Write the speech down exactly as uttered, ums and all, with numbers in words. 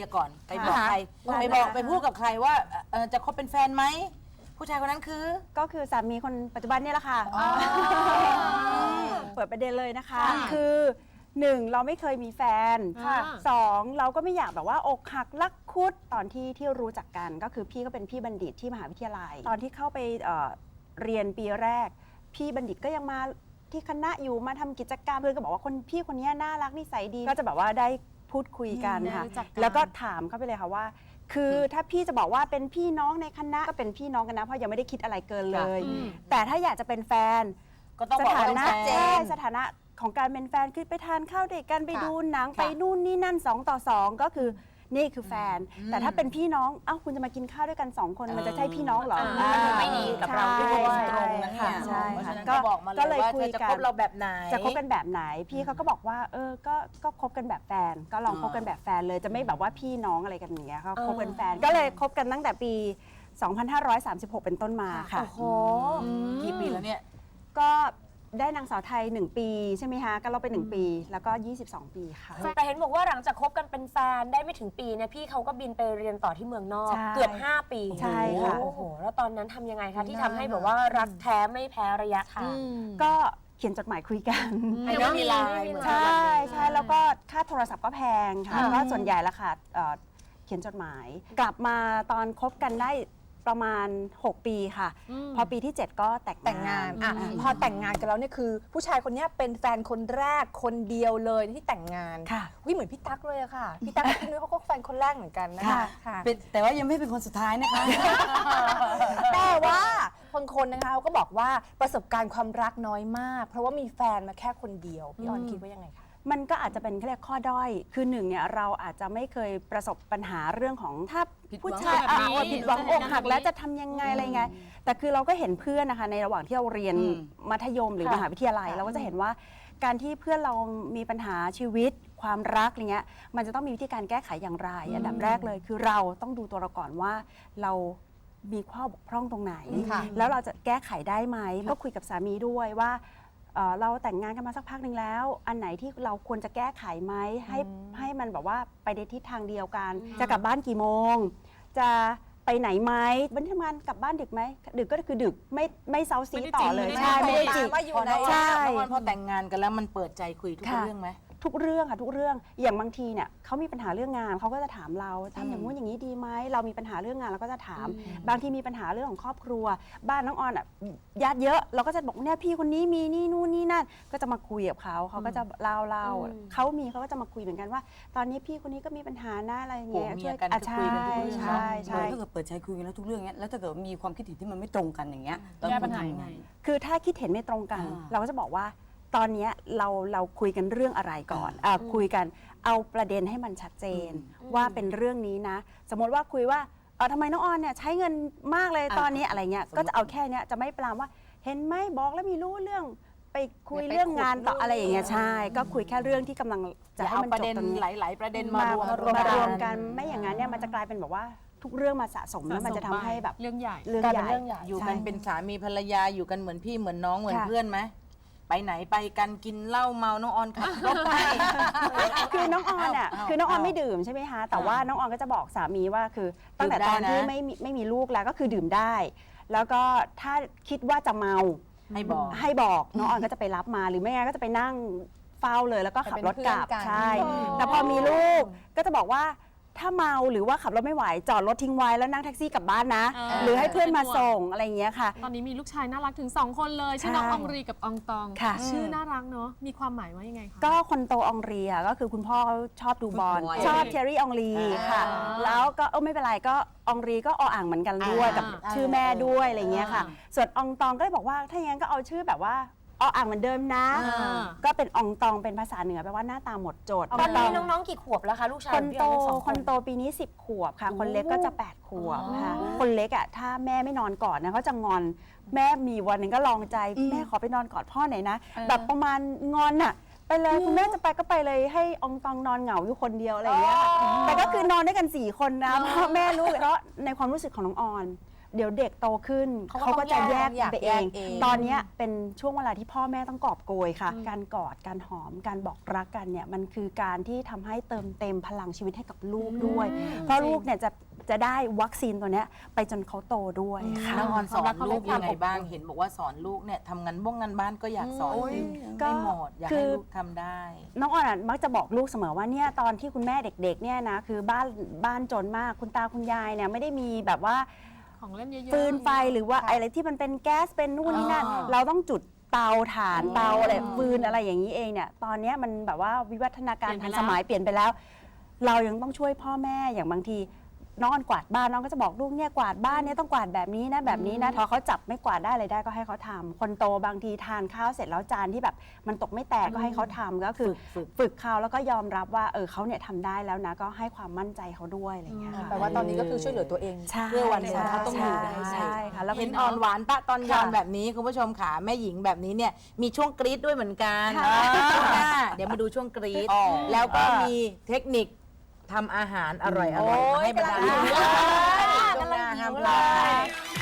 ร์ก่อนไปบอกใครไปบอกไปพูดกับใครว่าเอ่อจะคบเป็นแฟนไหมผู้ชายคนนั้นคือก็คือสามีคนปัจจุบันนี่แหละค่ะเปิดประเด็นเลยนะคะคือหนึ่งเราไม่เคยมีแฟนสองเราก็ไม่อยากแบบว่าอกหักรักคุดตอนที่ที่รู้จักกันก็คือพี่ก็เป็นพี่บัณฑิตที่มหาวิทยาลัยตอนที่เข้าไปเอ่อเรียนปีแรกพี่บัณฑิตก็ยังมาที่คณะอยู่มาทำกิจกรรมเพื่อนก็บอกว่าคนพี่คนนี้น่ารักนิสัยดีก็จะแบบว่าได้พูดคุยกันค่ะแล้วก็ถามเขาไปเลยค่ะว่าคือถ้าพี่จะบอกว่าเป็นพี่น้องในคณะก็เป็นพี่น้องกันนะเพราะยังไม่ได้คิดอะไรเกินเลยแต่ถ้าอยากจะเป็นแฟนก็ต้องบอกว่าเป็นแฟนใช่สถานะของการเป็นแฟนคือไปทานข้าวด้วยกันไปดูหนังไปนู่นนี่นั่นสองต่อสองก็คือนี่คือแฟนแต่ถ้าเป็นพี่น้องเอ้าคุณจะมากินข้าวด้วยกันสองคนมันจะใช่พี่น้องเหรอไม่ดีกับเราด้วยตรงนะคะใช่ค่ะก็เลยคุยกันจะคบเราแบบไหนจะคบกันแบบไหนพี่เขาก็บอกว่าเออก็ก็คบกันแบบแฟนก็ลองคบกันแบบแฟนเลยจะไม่แบบว่าพี่น้องอะไรกันอย่างเงี้ยเขาคบกันแฟนก็เลยคบกันตั้งแต่ปีสองพันห้าร้อยสามสิบหกเป็นต้นมาค่ะโอ้โหกี่ปีแล้วเนี่ยก็ได้นางสาวไทยหนึ่งปีใช่ไหมคะก็เราไปหนึ่งปีแล้วก็ยี่สิบสองปีค่ะแต่เห็นบอกว่าหลังจากคบกันเป็นแฟนได้ไม่ถึงปีเนี่ยพี่เขาก็บินไปเรียนต่อที่เมืองนอกเกือบห้าปีใช่ค่ะโอ้โหแล้วตอนนั้นทำยังไงคะที่ทำให้แบบว่ารักแท้ไม่แพ้ระยะทางก็เขียนจดหมายคุยกันไม่มีไลน์ใช่ใช่แล้วก็ค่าโทรศัพท์ก็แพงค่ะก็ส่วนใหญ่ละค่ะเขียนจดหมายกลับมาตอนคบกันได้ประมาณหกปีค่ะพอปีที่เจ็ดก็แต่งแต่งงานอ่ะพอแต่งงานกันแล้วเนี่ยคือผู้ชายคนนี้เป็นแฟนคนแรกคนเดียวเลยที่แต่งงานค่ะวิเหมือนพี่ตั๊กเลยอะค่ะพี่ตั๊กกับพี่นุ้ยเขาก็แฟนคนแรกเหมือนกันนะคะแต่ว่ายังไม่เป็นคนสุดท้ายนะคะแต่ว่าคนคนนะคะเขาก็บอกว่าประสบการณ์ความรักน้อยมากเพราะว่ามีแฟนมาแค่คนเดียวพี่ออนคิดว่ายังไงคะมันก็อาจจะเป็นเรียกข้อด้อยคือหนึ่งเนี่ยเราอาจจะไม่เคยประสบปัญหาเรื่องของถ้าผู้ชายผิดหวังอกหักแล้วจะทำยังไงอะไรไงแต่คือเราก็เห็นเพื่อนนะคะในระหว่างที่เราเรียนมัธยมหรือมหาวิทยาลัยเราก็จะเห็นว่าการที่เพื่อนเรามีปัญหาชีวิตความรักอะไรเงี้ยมันจะต้องมีวิธีการแก้ไขอย่างไรอันดับแรกเลยคือเราต้องดูตัวเราก่อนว่าเรามีข้อบกพร่องตรงไหนแล้วเราจะแก้ไขได้ไหมก็คุยกับสามีด้วยว่าเราแต่งงานกันมาสักพักหนึ่งแล้วอันไหนที่เราควรจะแก้ไขไหมให้ให้มันแบบว่าไปในทิศทางเดียวกันจะกลับบ้านกี่โมงจะไปไหนไหมวันที่ทำงานกลับบ้านดึกไหมดึกก็คือดึกไม่ไม่เซาซีต่อเลยใช่ไม่ได้จีบใช่พอแต่งงานกันแล้วมันเปิดใจคุยทุกเรื่องไหมทุกเรื่องค่ะทุกเรื่องอย่างบางทีเนี่ยเขามีปัญหาเรื่องงานเขาก็จะถามเราทำอย่างนู้นอย่างนี้ดีไหมเรามีปัญหาเรื่องงานเราก็จะถามบางทีมีปัญหาเรื่องของครอบครัวบ้านน้องออนอ่ะญาติเยอะเราก็จะบอกเนี่ยพี่คนนี้มีนี่นู่นนี่นั่นก็จะมาคุยกับเขาเขาก็จะเล่าเล่าเขามีเขาก็จะมาคุยเหมือนกันว่าตอนนี้พี่คนนี้ก็มีปัญหาหน้าอะไรเงี้ยช่วยกันคุยกันทุกเรื่องใช่ใช่ถ้าเกิดเปิดใจคุยกันแล้วทุกเรื่องเนี้ยแล้วถ้าเกิดมีความคิดเห็นที่มันไม่ตรงกันอย่างเงี้ยแก้ปัญหายังไงคือถ้าคิดเห็นไม่ตรงกันเราก็จะบอกว่าตอนนี้เราเราคุยกันเรื่องอะไรก่อนอ่าคุยกันเอาประเด็นให้มันชัดเจนว่าเป็นเรื่องนี้นะสมมติว่าคุยว่าเออทำไมน้องออนเนี่ยใช้เงินมากเลยตอนนี้อะไรเงี้ยก็จะเอาแค่นี้จะไม่ปรามว่าเห็นไหมบอกแล้วมีรู้เรื่องไปคุยเรื่องงานต่ออะไรอย่างเงี้ยใช่ก็คุยแค่เรื่องที่กำลังจะให้มันจบตรงนี้หลายๆประเด็นมารวมมารวมกันไม่อย่างนั้นเนี่ยมันจะกลายเป็นแบบว่าทุกเรื่องมาสะสมแล้วมันจะทำให้แบบเรื่องใหญ่เรื่องใหญ่อยู่กันเป็นสามีภรรยาอยู่กันเหมือนพี่เหมือนน้องเหมือนเพื่อนไหมไปไหนไปกันกินเหล้าเมาน้องออนขับรถไปคือน้องออนอ่ะคือน้องออนไม่ดื่มใช่ไหมคะแต่ว่าน้องออนก็จะบอกสามีว่าคือตั้งแต่ตอนที่ไม่ไม่มีลูกแล้วก็คือดื่มได้แล้วก็ถ้าคิดว่าจะเมาให้บอกให้บอกน้องออนก็จะไปรับมาหรือไม่งั้นก็จะไปนั่งเฝ้าเลยแล้วก็ขับรถกลับใช่แต่พอมีลูกก็จะบอกว่าถ้าเมาหรือว่าขับรถไม่ไหวจอดรถทิ้งไว้แล้วนั่งแท็กซี่กลับบ้านนะหรือให้เพื่อนมาส่งอะไรอย่างเงี้ยค่ะตอนนี้มีลูกชายน่ารักถึงสองคนเลยชื่อน้องอองรีกับอองตองชื่อน่ารักเนาะมีความหมายว่ายังไงคะก็คนโตอองรีอ่ะก็คือคุณพ่อเขาชอบดูบอลชอบเทอร์รี่อองรีค่ะแล้วก็เออไม่เป็นไรก็อองรีก็ออ่างเหมือนกันด้วยกับชื่อแม่ด้วยอะไรเงี้ยค่ะส่วนอองตองก็เลยบอกว่าถ้าอย่างนั้นก็เอาชื่อแบบว่าออ่างเหมือนเดิมนะก็เป็นอองตองเป็นภาษาเหนือแปลว่าหน้าตาหมดจดตอนนี้น้องๆกี่ขวบแล้วคะลูกชายคนโตคนโตปีนี้สิบขวบค่ะคนเล็กก็จะแปดขวบค่ะคนเล็กอ่ะถ้าแม่ไม่นอนกอดนะเขาจะงอนแม่มีวันหนึ่งก็ลองใจแม่ขอไปนอนกอดพ่อหน่อยนะแบบประมาณงอนอ่ะไปเลยคุณแม่จะไปก็ไปเลยให้อองตองนอนเหงาอยู่คนเดียวอะไรอย่างเงี้ยแต่ก็คือนอนด้วยกันสี่คนนะพ่อแม่ลูกเพราะในความรู้สึกของน้องออนเดี๋ยวเด็กโตขึ้นเขาก็เขาก็จะแยกต้องแยกไปเองแยกเองตอนเนี้ยเป็นช่วงเวลาที่พ่อแม่ต้องกอบโกยค่ะ การกอดการหอมการบอกรักกันเนี่ยมันคือการที่ทำให้เติมเต็มพลังชีวิตให้กับลูกด้วย เพราะลูกเนี่ยจะจะได้วัคซีนตัวเนี้ยไปจนเขาโตด้วยค่ะน้องออนสอนลูกยังไงบ้างเห็นบอกว่าสอนลูกเนี่ยทำงานบ้งงานบ้านก็อยากสอนให้ก็ให้หมดอยากคืให้อลูกทำได้น้องออนอะมักจะบอกลูกเสมอว่าเนี่ยตอนที่คุณแม่เด็กๆเนี่ยนะคือบ้านบ้านจนมากคุณตาคุณยายเนี่ยไม่ได้มีแบบว่าของเล่นเยอะๆฟืนไฟหรือว่าอะไรที่มันเป็นแก๊สเป็นนู่นนี่นั่นอ่าเราต้องจุดเตาถ่านเตาอะไรฟืนอะไรอย่างนี้เองเนี่ยตอนเนี้ยมันแบบว่าวิวัฒนาการเปลี่ทัยนนไปสแล้วมัยเปลี่ยนไปแล้ว เรายังต้องช่วยพ่อแม่อย่างบางทีน้องออนกวาดบ้านน้องก็จะบอกลูกเนี่ยกวาดบ้านเนี่ยต้องกวาดแบบนี้นะแบบนี้นะพอเขาจับไม่กวาดได้อะไรได้ก็ให้เขาทำคนโตบางทีทานข้าวเสร็จแล้วจานที่แบบมันตกไม่แตกก็ให้เขาทำก็คือฝึกฝึกเขาแล้วก็ยอมรับว่าเออเขาเนี่ยทำได้แล้วนะก็ให้ความมั่นใจเขาด้วยอะไรอย่างเงี้ยค่ะแปลว่าตอนนี้ก็คือช่วยเหลือตัวเองใช่เพื่อวันหนึ่งเขาต้องอยู่ได้ใช่ค่ะแล้วเห็นอ่อนหวานตะตอนยอนค่ะแบบนี้คุณผู้ชมขาแม่หญิงแบบนี้เนี่ยมีช่วงกรี๊ดด้วยเหมือนกันค่ะช่วงหน้าเดี๋ยวมาดูช่วงกรี๊ดแล้วก็มีเทคนิคทำอาหารอร่อยๆมาให้บรรดาลูกช่วงหน้าห้ามพลาด